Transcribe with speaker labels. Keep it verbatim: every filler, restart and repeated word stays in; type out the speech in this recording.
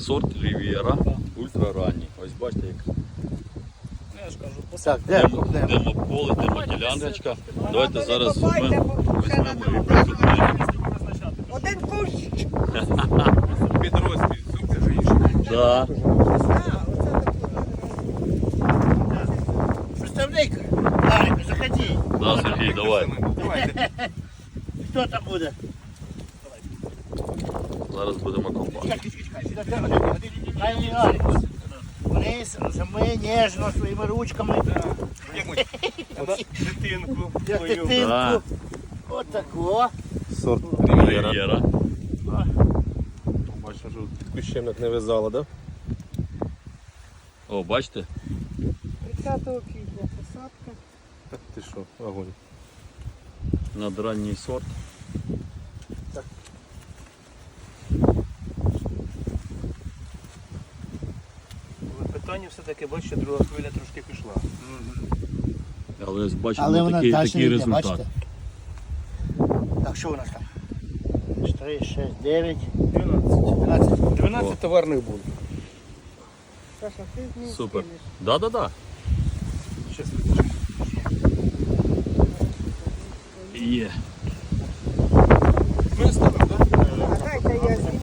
Speaker 1: сорт Рів'єра, ультраранній. Ось бачите, як
Speaker 2: Я ж кажу,
Speaker 3: Так,
Speaker 1: демо,
Speaker 3: де?
Speaker 1: демо поле, демо діляночка. Давайте зараз
Speaker 4: Копайте,
Speaker 1: візьмемо,
Speaker 4: бо ще
Speaker 1: візьмемо
Speaker 4: надо
Speaker 1: і
Speaker 4: буде.
Speaker 1: прикопаємо.
Speaker 4: Один кущ.
Speaker 2: підрозділ, це ж інше.
Speaker 1: Да.
Speaker 4: А, оце таке.
Speaker 3: Представник, Гарик, заходи.
Speaker 1: Да, Сергій, давай.
Speaker 2: Давайте.
Speaker 3: Хто там буде?
Speaker 1: Зараз будемо копати.
Speaker 3: Чекай, чекай, чекай, чекай, ходи, ходи. Хай не Гарик. Вниз, ми ніжно своїми ручками.
Speaker 2: Як ми? Дитинку.
Speaker 3: Як
Speaker 2: свою.
Speaker 3: дитинку.
Speaker 1: Да.
Speaker 3: Отако.
Speaker 5: Сорт
Speaker 1: Рів'єра.
Speaker 5: Рів'єра. Бачиш, що кущемник не вязало, да?
Speaker 1: О, бачите?
Speaker 4: тридцятого квітня посадка.
Speaker 5: Так ти що, огонь.
Speaker 1: Надранній сорт.
Speaker 2: Питання все-таки, бачите, друга хвиля трошки пішла.
Speaker 1: Але ось бачимо
Speaker 3: Але вона
Speaker 1: такий,
Speaker 3: далі
Speaker 1: такий
Speaker 3: йде,
Speaker 1: результат.
Speaker 3: бачите? Так, що у нас там? чотири, шість, дев'ять,
Speaker 2: дванадцять.
Speaker 3: дванадцять.
Speaker 2: дванадцять товарних буль.
Speaker 4: Саша, ти не
Speaker 1: Супер.
Speaker 4: встигнеш.
Speaker 1: Да-да-да.
Speaker 2: Щас.
Speaker 1: Є.